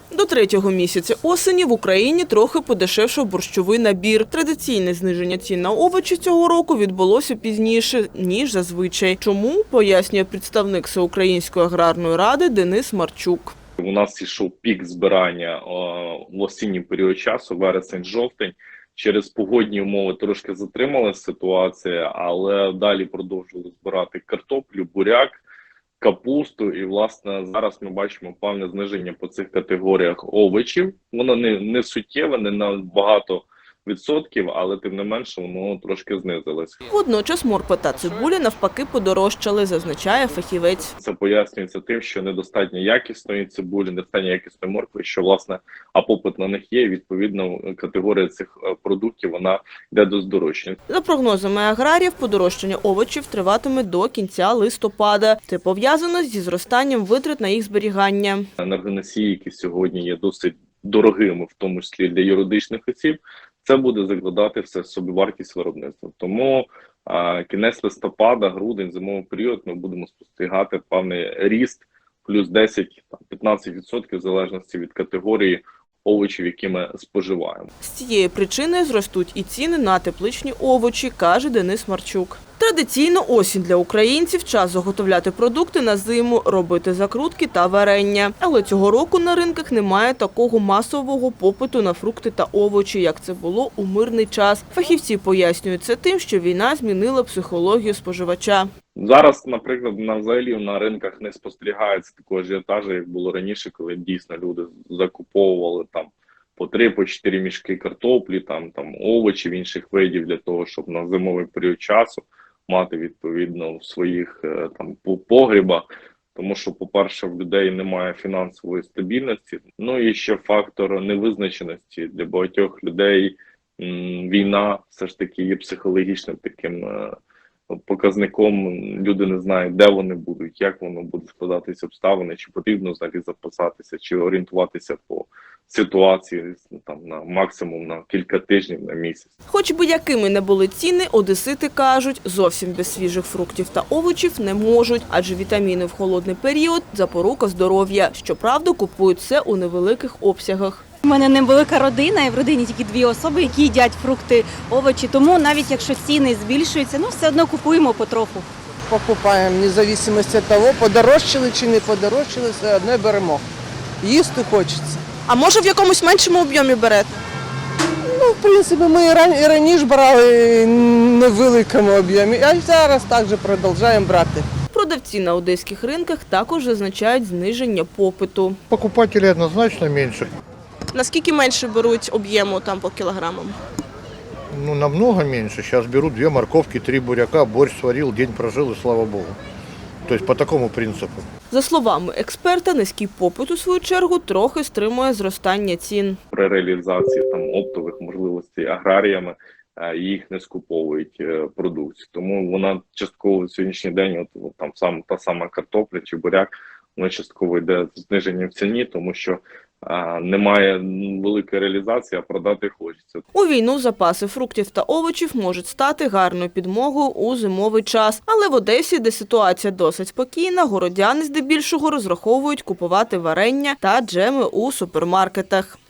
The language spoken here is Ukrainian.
До третього місяця осені в Україні трохи подешевшав борщовий набір. Традиційне зниження цін на овочі цього року відбулося пізніше, ніж зазвичай. Чому, пояснює представник Всеукраїнської аграрної ради Денис Марчук. У нас йшов пік збирання в осінній період часу, вересень-жовтень. Через погодні умови трошки затрималася ситуація, але далі продовжували збирати картоплю, буряк, капусту. І, власне, зараз ми бачимо певне зниження по цих категоріях овочів. Воно не суттєве, не на багато відсотків, але тим не менше воно трошки знизилось. Водночас морква та цибуля навпаки подорожчали, зазначає фахівець. Це пояснюється тим, що недостатньо якісної цибулі, недостатньо якісної моркви, що, власне, а попит на них є, і, відповідно, категорія цих продуктів, вона йде до здорожчання. За прогнозами аграріїв, подорожчання овочів триватиме до кінця листопада. Це пов'язано зі зростанням витрат на їх зберігання. Енергоносії, які сьогодні є досить дорогими, в тому числі для юридичних осіб, це буде закладати все собівартість виробництва. Тому кінець листопада, грудень, зимовий період ми будемо спостерігати певний ріст плюс 10-15% в залежності від категорії овочів, які ми споживаємо. З цієї причини зростуть і ціни на тепличні овочі, каже Денис Марчук. Традиційно осінь для українців – час заготовляти продукти на зиму, робити закрутки та варення. Але цього року на ринках немає такого масового попиту на фрукти та овочі, як це було у мирний час. Фахівці пояснюють це тим, що війна змінила психологію споживача. Зараз, наприклад, взагалі на ринках не спостерігається такого ажіотажу, як було раніше, коли дійсно люди закуповували там по 3-4 мішки картоплі, там овочів, інших видів для того, щоб на зимовий період часу мати відповідно в своїх там погрібах. Тому що, по-перше, в людей немає фінансової стабільності. Ну і ще фактор невизначеності. Для багатьох людей війна все ж таки є психологічним таким показником. Люди не знають, де вони будуть, як воно буде складатися обставини, чи потрібно взагалі запасатися, чи орієнтуватися по ситуації там на максимум на кілька тижнів, на місяць. Хоч би якими не були ціни, одесити кажуть, зовсім без свіжих фруктів та овочів не можуть, адже вітаміни в холодний період – запорука здоров'я. Щоправда, купують це у невеликих обсягах. У мене невелика родина, і в родині тільки 2 особи, які їдять фрукти, овочі. Тому навіть якщо ціни збільшуються, все одно купуємо потроху. Покупаємо, незалежно від того, подорожчали чи не подорожчали, все одно беремо. Їсти хочеться. А може в якомусь меншому об'ємі берете? Ну, в принципі, ми і раніше брали не в великому об'ємі, а зараз також продовжуємо брати. Продавці на одеських ринках також зазначають зниження попиту. Покупателей однозначно меньше. Наскільки менше беруть об'єму там по кілограмам? Ну, намного меньше. Сейчас берут 2 морковки, 3 буряка, борщ сварил, день прожил и слава богу. То есть по такому принципу. За словами експерта, низький попит, у свою чергу, трохи стримує зростання цін. При реалізації там оптових можливостей аграріями їх не скуповують продукцію. Тому вона частково в сьогоднішній день, от там та сама картопля чи буряк, вона частково йде зниження в ціні, тому що немає великої реалізації, а продати хочеться. У війну запаси фруктів та овочів можуть стати гарною підмогою у зимовий час. Але в Одесі, де ситуація досить спокійна, городяни здебільшого розраховують купувати варення та джеми у супермаркетах.